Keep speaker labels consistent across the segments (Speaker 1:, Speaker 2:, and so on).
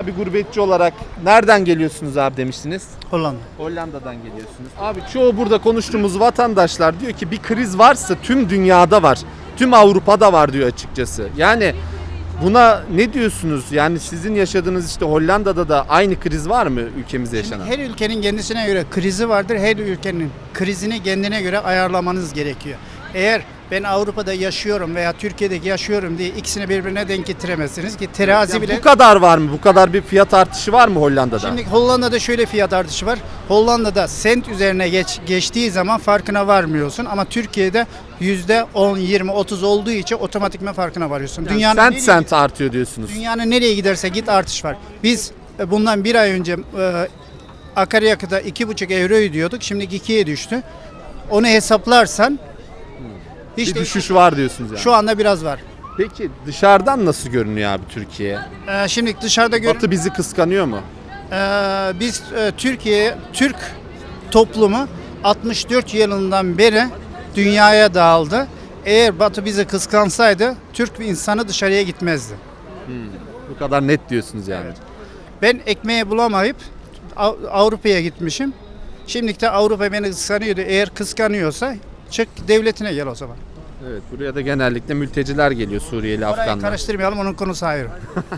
Speaker 1: Bir gurbetçi olarak nereden geliyorsunuz abi demiştiniz?
Speaker 2: Hollanda.
Speaker 1: Hollanda'dan geliyorsunuz. Abi çoğu burada konuştuğumuz vatandaşlar diyor ki bir kriz varsa tüm dünyada var. Tüm Avrupa'da var diyor açıkçası. Yani buna ne diyorsunuz? Yani sizin yaşadığınız işte Hollanda'da da aynı kriz var mı ülkemizde yaşanan?
Speaker 2: Her ülkenin kendisine göre krizi vardır. Her ülkenin krizini kendine göre ayarlamanız gerekiyor. Eğer ben Avrupa'da yaşıyorum veya Türkiye'de yaşıyorum diye ikisini birbirine denk getiremezsiniz ki terazi
Speaker 1: Yani
Speaker 2: bile...
Speaker 1: bu kadar var mı? Bu kadar bir fiyat artışı var mı Hollanda'da?
Speaker 2: Şimdi Hollanda'da şöyle fiyat artışı var. Hollanda'da sent üzerine geçtiği zaman farkına varmıyorsun ama Türkiye'de %10, 20, 30 olduğu için otomatikman farkına varıyorsun.
Speaker 1: Yani sent artıyor diyorsunuz.
Speaker 2: Dünyanın nereye giderse git artış var. Biz bundan bir ay önce akaryakıta 2,5 euro ödüyorduk. Şimdi 2'ye düştü. Onu hesaplarsan
Speaker 1: Bir düşüş var diyorsunuz yani.
Speaker 2: şu anda biraz var.
Speaker 1: Peki dışarıdan nasıl görünüyor abi Türkiye?
Speaker 2: Şimdi dışarıda
Speaker 1: Batı bizi kıskanıyor mu?
Speaker 2: biz Türk toplumu 64 yılından beri dünyaya dağıldı. Eğer Batı bizi kıskansaydı Türk insanı dışarıya gitmezdi.
Speaker 1: Bu kadar net diyorsunuz yani.
Speaker 2: Evet. Ben ekmeği bulamayıp Avrupa'ya gitmişim. Şimdilik de Avrupa beni kıskanıyordu. Eğer kıskanıyorsa çık devletine gel o zaman.
Speaker 1: Evet, buraya da genellikle mülteciler geliyor, Suriyeli,
Speaker 2: Orayı
Speaker 1: Afganlar.
Speaker 2: karıştırmayalım, onun konusu ayrı.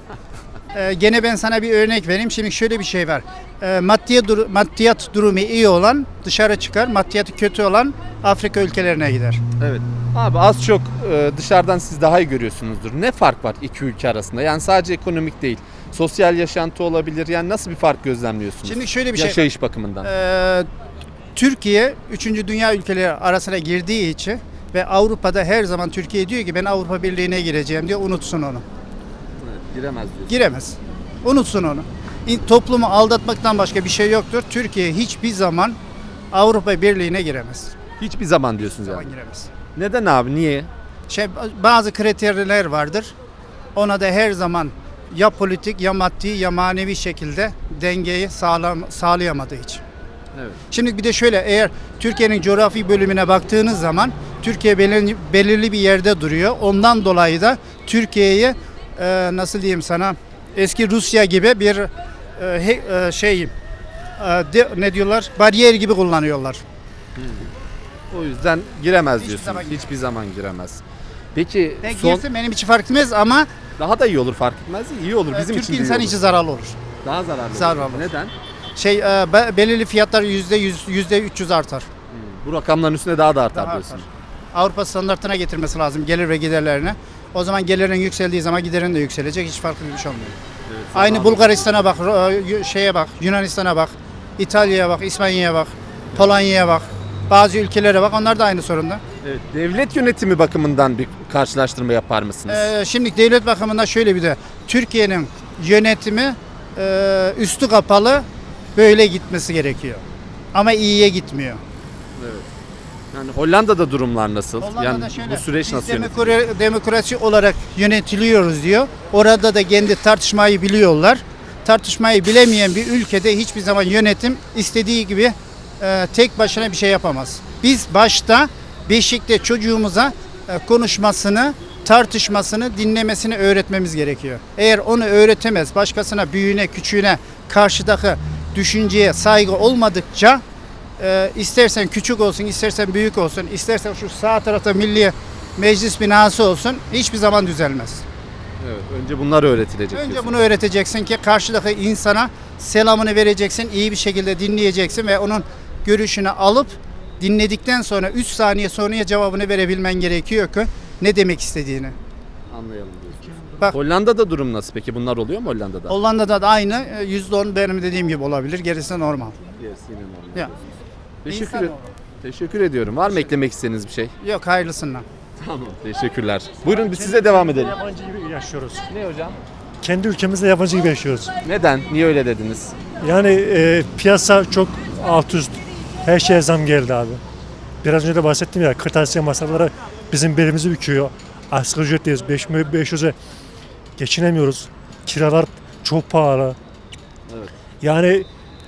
Speaker 2: Gene ben sana bir örnek vereyim. Şimdi şöyle bir şey var. Maddiyat durumu iyi olan dışarı çıkar, maddiyatı kötü olan Afrika ülkelerine gider.
Speaker 1: Evet. Abi az çok dışarıdan siz daha iyi görüyorsunuzdur. Ne fark var iki ülke arasında? Yani sadece ekonomik değil. Sosyal yaşantı olabilir. Yani nasıl bir fark gözlemliyorsunuz?
Speaker 2: Şimdi şöyle bir şey.
Speaker 1: Yaşayış bakımından.
Speaker 2: Türkiye 3. dünya ülkeleri arasına girdiği için ve Avrupa'da her zaman Türkiye diyor ki ben Avrupa Birliği'ne gireceğim diyor, unutsun onu.
Speaker 1: Evet, giremez diyorsunuz.
Speaker 2: Giremez. Unutsun onu. Toplumu aldatmaktan başka bir şey yoktur. Türkiye hiçbir zaman Avrupa Birliği'ne giremez.
Speaker 1: Hiçbir zaman diyorsunuz yani.
Speaker 2: Giremez.
Speaker 1: Neden abi? Niye?
Speaker 2: Bazı kriterler vardır. Ona da her zaman ya politik ya maddi ya manevi şekilde dengeyi sağlayamadığı için.
Speaker 1: Evet.
Speaker 2: Şimdi bir de şöyle, eğer Türkiye'nin coğrafi bölümüne baktığınız zaman Türkiye belirli bir yerde duruyor. Ondan dolayı da Türkiye'yi nasıl diyeyim sana, eski Rusya gibi bir ne diyorlar, bariyer gibi kullanıyorlar.
Speaker 1: O yüzden giremez
Speaker 2: Hiçbir
Speaker 1: diyorsunuz.
Speaker 2: zaman giremez.
Speaker 1: Hiçbir zaman giremez. Peki
Speaker 2: Girsin benim için fark etmez ama
Speaker 1: daha da iyi olur, fark etmez. İyi olur bizim
Speaker 2: Türk
Speaker 1: için de iyi
Speaker 2: insan
Speaker 1: olur.
Speaker 2: için zararlı olur.
Speaker 1: Daha zararlı.
Speaker 2: Zararlı
Speaker 1: olur.
Speaker 2: olur.
Speaker 1: Neden?
Speaker 2: Belirli fiyatlar %100, %300 artar.
Speaker 1: Bu rakamların üstüne daha da artar
Speaker 2: Daha
Speaker 1: diyorsun.
Speaker 2: artar. Avrupa standartına getirmesi lazım gelir ve giderlerine. O zaman gelirin yükseldiği zaman giderin de yükselecek. Hiç farklı bir şey olmuyor.
Speaker 1: Evet,
Speaker 2: Aynı Bulgaristan'a bak, şeye bak, Yunanistan'a bak, İtalya'ya bak, İspanya'ya bak, Polonya'ya bak. Bazı ülkelere bak, onlar da aynı sorunda.
Speaker 1: Evet, devlet yönetimi bakımından bir karşılaştırma yapar mısınız?
Speaker 2: Şimdi devlet bakımından şöyle bir de Türkiye'nin yönetimi üstü kapalı böyle gitmesi gerekiyor. Ama iyiye gitmiyor.
Speaker 1: Evet. Yani Hollanda'da durumlar nasıl?
Speaker 2: Hollanda'da
Speaker 1: Yani
Speaker 2: şöyle,
Speaker 1: bu süreç
Speaker 2: biz
Speaker 1: nasıl yönetiliyor?
Speaker 2: demokrasi olarak yönetiliyoruz diyor. Orada da kendi tartışmayı biliyorlar. Tartışmayı bilemeyen bir ülkede hiçbir zaman yönetim istediği gibi tek başına bir şey yapamaz. Biz başta beşikte çocuğumuza konuşmasını, tartışmasını, dinlemesini öğretmemiz gerekiyor. Eğer onu öğretemez, başkasına, büyüğüne, küçüğüne, karşıdaki düşünceye saygı olmadıkça istersen küçük olsun, istersen büyük olsun, istersen şu sağ tarafta Milli Meclis binası olsun, hiçbir zaman düzelmez.
Speaker 1: Evet, önce bunlar öğretilecek.
Speaker 2: Önce
Speaker 1: diyorsun.
Speaker 2: bunu öğreteceksin ki karşıdaki insana selamını vereceksin, iyi bir şekilde dinleyeceksin ve onun görüşünü alıp dinledikten sonra 3 saniye sonraya cevabını verebilmen gerekiyor ki ne demek istediğini.
Speaker 1: Anlayalım diyorsunuz.
Speaker 2: Bak,
Speaker 1: Hollanda'da durum nasıl peki? Bunlar oluyor mu Hollanda'da?
Speaker 2: Hollanda'da da aynı %10 benim dediğim gibi olabilir. Gerisi normal.
Speaker 1: Yes, yine normal.
Speaker 2: Ya.
Speaker 1: Teşekkür, teşekkür ediyorum. Var mı eklemek istediğiniz bir şey?
Speaker 2: Yok, hayırlısından.
Speaker 1: Tamam. Teşekkürler. Buyurun biz size devam edelim.
Speaker 3: Yabancı gibi yaşıyoruz.
Speaker 1: Ne hocam?
Speaker 3: Kendi ülkemizde yabancı gibi yaşıyoruz.
Speaker 1: Neden? Niye öyle dediniz?
Speaker 3: Yani piyasa çok alt üst. Her şeye zam geldi abi. Biraz önce de bahsettim ya, kırtasiye masaları bizim belimizi büküyor. Asgari ücretteyiz. 500'e geçinemiyoruz. Kiralar çok pahalı.
Speaker 1: Evet.
Speaker 3: Yani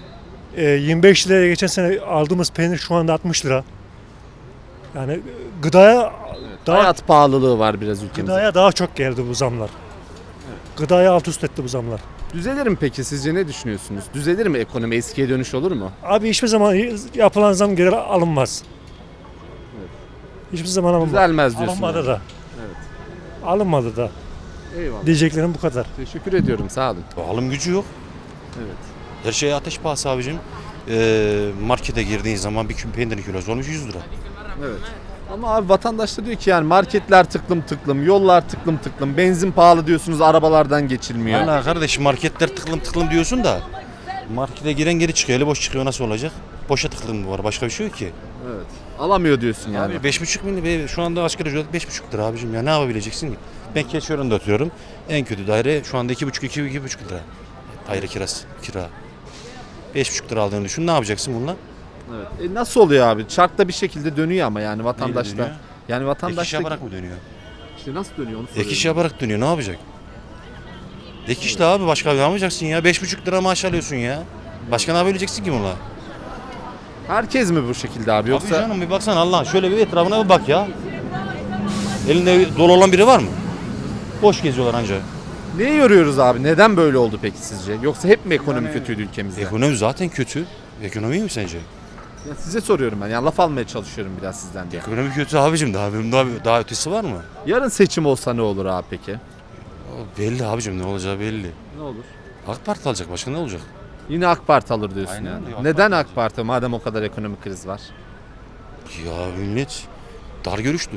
Speaker 3: 25 liraya geçen sene aldığımız peynir şu anda 60 lira. Yani gıdaya
Speaker 1: Hayat pahalılığı var biraz ülkemizde.
Speaker 3: gıdaya daha çok geldi bu zamlar. Gıdaya alt üst etti bu zamlar.
Speaker 1: Düzelir mi peki, sizce ne düşünüyorsunuz? Düzelir mi ekonomi, eskiye dönüş olur mu?
Speaker 3: Abi hiçbir zaman yapılan zam geri alınmaz. Hiçbir zaman alınmaz.
Speaker 1: Düzelmez diyorsun
Speaker 3: Alınmadı
Speaker 1: yani.
Speaker 3: da. Alınmadı da.
Speaker 1: Eyvallah.
Speaker 3: Diyeceklerim bu kadar.
Speaker 1: Teşekkür ediyorum, sağ olun.
Speaker 4: Alım gücü yok.
Speaker 1: Evet.
Speaker 4: Her şey ateş pahası abicim. Markete girdiğin zaman bir peynirin kilosu olmuş 100 lira.
Speaker 1: Evet. Ama abi vatandaş da diyor ki yani marketler tıklım tıklım, yollar tıklım tıklım, benzin pahalı diyorsunuz, arabalardan geçilmiyor.
Speaker 4: Valla kardeşim marketler tıklım tıklım diyorsun da markete giren geri çıkıyor, eli boş çıkıyor, nasıl olacak? Boşa tıklım var, başka bir şey yok ki.
Speaker 1: Evet. Alamıyor diyorsun yani.
Speaker 4: Abi 5,5 milyon, şu anda asgari ücret 5,5 lira abicim ya, ne yapabileceksin ki? Ben Keçiören'de oturuyorum. En kötü daire şu anda 2,5 lira. Daire kirası, kira. 5,5 lira aldığını düşün, ne yapacaksın bununla?
Speaker 1: Evet. Nasıl oluyor abi? Çarkta bir şekilde dönüyor ama yani vatandaşlar.
Speaker 4: dönüyor?
Speaker 1: Yani
Speaker 4: Ek
Speaker 1: vatandaş
Speaker 4: iş yaparak mı dönüyor?
Speaker 1: işte nasıl dönüyor onu
Speaker 4: Ek
Speaker 1: soruyorum.
Speaker 4: iş yaparak dönüyor, ne yapacak? Ek işte abi, başka ne yapacaksın ya? 5,5 lira maaş alıyorsun ya. Başka ne yapabileceksin ki bununla?
Speaker 1: Herkes mi bu şekilde abi
Speaker 4: Yoksa...
Speaker 1: yoksa?
Speaker 4: Abi canım bir baksana Allah, şöyle bir etrafına bir bak ya. Elinde dolu olan biri var mı? Boş geziyorlar anca.
Speaker 1: Neyi yoruyoruz abi? Neden böyle oldu peki sizce? Yoksa hep mi ekonomi kötüydü ülkemizde?
Speaker 4: Ekonomi zaten kötü. Ekonomi iyi mi sence?
Speaker 1: Ya size soruyorum ben. Yani laf almaya çalışıyorum biraz sizden diye.
Speaker 4: Ekonomi kötü abicim, daha ötesi var mı?
Speaker 1: Yarın seçim olsa ne olur abi peki?
Speaker 4: Belli abicim, ne olacağı belli.
Speaker 1: Ne olur?
Speaker 4: AK Parti alacak, başka ne olacak?
Speaker 1: Yine AK Parti alır diyorsun
Speaker 4: Aynen
Speaker 1: yani.
Speaker 4: öyle, AK
Speaker 1: Neden
Speaker 4: Parti
Speaker 1: AK Parti madem o kadar ekonomik kriz var?
Speaker 4: Ya millet dar görüşlü.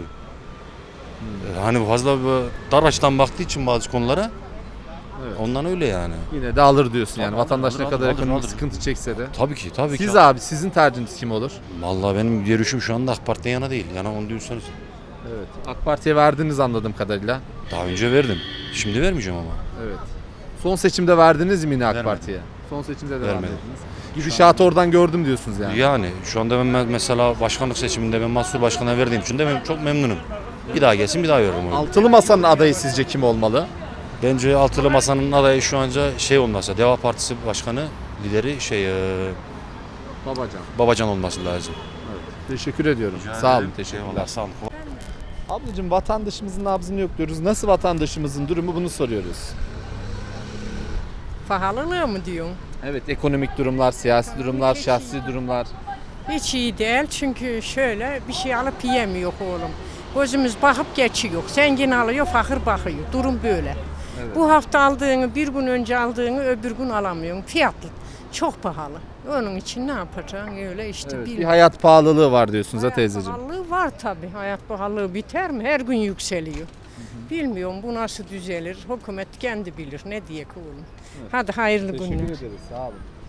Speaker 4: Hani fazla dar açıdan baktığı için bazı konulara,
Speaker 1: Evet.
Speaker 4: ondan öyle yani.
Speaker 1: Yine de alır diyorsun yani.
Speaker 4: Alır,
Speaker 1: Vatandaş ne
Speaker 4: alır,
Speaker 1: kadar
Speaker 4: alır,
Speaker 1: ekonomik
Speaker 4: alır.
Speaker 1: sıkıntı çekse de.
Speaker 4: Tabii ki, tabii
Speaker 1: Siz
Speaker 4: ki.
Speaker 1: abi sizin tercihiniz kim olur?
Speaker 4: Vallahi benim görüşüm şu anda AK Parti'den yana değil. Yana onu diyorsanız.
Speaker 1: Evet. AK Parti'ye verdiniz anladığım kadarıyla.
Speaker 4: Daha önce verdim. Şimdi vermeyeceğim ama.
Speaker 1: Evet. Son seçimde verdiniz mi yine AK
Speaker 4: Vermedim.
Speaker 1: Parti'ye? Son seçimde de
Speaker 4: Vermedim.
Speaker 1: vermediniz. Gidişatı oradan gördüm diyorsunuz yani.
Speaker 4: Yani şu anda ben mesela başkanlık seçiminde ben Mansur Başkan'a verdiğim için de ben çok memnunum. Bir daha gelsin, bir daha veririm onu.
Speaker 1: Altılı Masa'nın adayı sizce kim olmalı?
Speaker 4: Bence Altılı Masa'nın adayı şu anca şey olmasa, Deva Partisi Başkanı, lideri
Speaker 1: Babacan.
Speaker 4: Babacan olması lazım.
Speaker 1: Teşekkür ediyorum. Sağ olun, teşekkürler.
Speaker 4: Eyvallah, sağ olun.
Speaker 1: Ablacığım vatandaşımızın nabzını yokluyoruz. Nasıl vatandaşımızın durumu bunu soruyoruz.
Speaker 5: Pahalılığı mı diyorsun?
Speaker 1: Evet, ekonomik durumlar, siyasi durumlar, şahsi durumlar.
Speaker 5: Hiç iyi değil çünkü şöyle bir şey alıp yiyemiyor oğlum. Gözümüz bakıp geçiyor. Zengin alıyor, fakir bakıyor. Durum böyle.
Speaker 1: Evet.
Speaker 5: Bu hafta aldığını, bir gün önce aldığını öbür gün alamıyorsun. Fiyatlı. Çok pahalı. Onun için ne yapacaksın öyle işte
Speaker 1: Evet, bir
Speaker 5: bilmiyorum.
Speaker 1: hayat pahalılığı var diyorsunuz
Speaker 5: Hayat
Speaker 1: teyzeciğim.
Speaker 5: pahalılığı var tabii. Hayat pahalılığı biter mi? Her gün yükseliyor. Bilmiyorum bu nasıl düzelir. Hükümet kendi bilir. Ne diye oğlum. Hadi hayırlı günler.
Speaker 1: ederiz, sağ olun.